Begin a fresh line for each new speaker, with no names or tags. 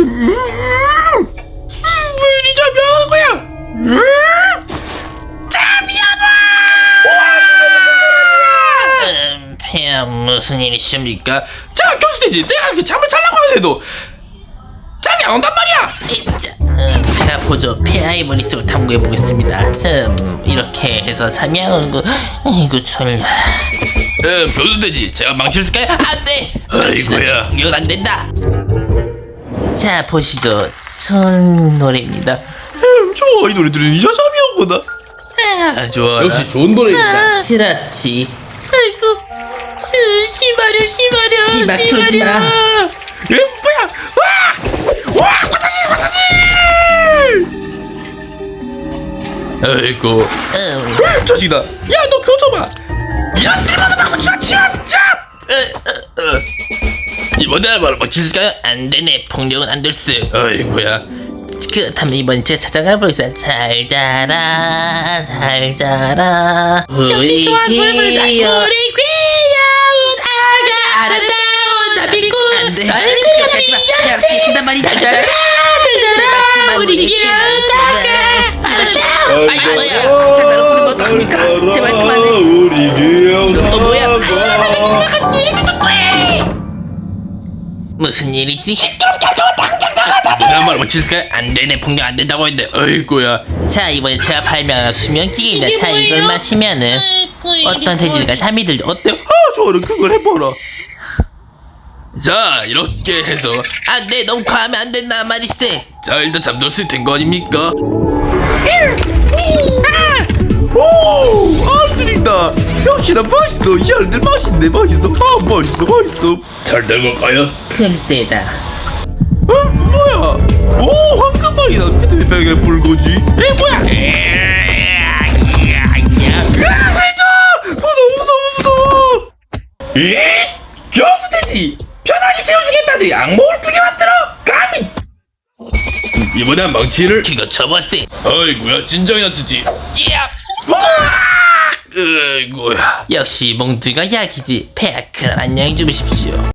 왜 이리 잠이 안 오는 거야? 잠이 안 와!
폐하 무슨 일이십니까?
자, 교수님, 내가 이렇게 잠을 자려고 하는데도 잠이 안 온단 말이야.
제가 보죠. 폐하의 머릿속을 탐구해 보겠습니다. 이렇게 해서 잠이 안 오는 거. 이거 졸려.
교수돼지, 제가 망치를 쓸까요?
안돼.
아이고야.
이건 안 된다. 자 보시죠. 좋은 노래입니다.
좋아, 이 노래 들으니까 잠이 오구나. 좋아.
역시 좋은 노래입니다.
그렇지. 아이고. 심하려.
이 막 틀어지 마.
뭐야? 와, 화장실. 아이고. 자식이다. 야, 너 그거 줘봐. 야, 쓸모없는 방법 참. 이번에 알바로 막 칠까요?
안 되네. 폭력은 안 될세.
아이고야.
그렇다면 이번 제가 찾아가 보겠습니다. 잘 자라. 우리 귀여운 아가 아름다운 나비꾼.
안 돼.
나를
가지마. 야, 계신단 말이다.
잘 자라. 우리 귀여운 아가 아름다운.
아이고야. 장난을 부르면 어떡합니까? 제발 그만해. 이건 또 뭐야?
무슨 일이지?
이번에 알바로 막 칠까요? 안 되네. 폭력 안 된다고 했는데. 아이고야.
자 이번에 제가 발명한 수면기계입니다. 자 이걸 마시면은 어떤 돼지가 잠이 들죠. 어때요?
좋아라, 그걸 해봐라. 자, 이렇게 해서
안돼 너무 과하면 안 된다 말이세.
자, 일단 잠들 수 된 거 아닙니까? 오, 알들이다. 역시나 맛있어. 이 알들 맛있네. 맛있어. 맛있어. 잘 된 걸까요?
글쎄다.
뭐야? 오, 황금알이다. 근데 왜 벽에 불고지? 뭐야? 살려줘! 무서워. 교수돼지! 편하게 채워주겠다니 악몽을 꾸게 만들어! 감히! 이번엔 망치를
그거 접었세.
아이고야, 진정이나 쓰지. 아이고야.
역시 몽둥이가 약이지. 폐하 그럼 안녕히 주무십시오.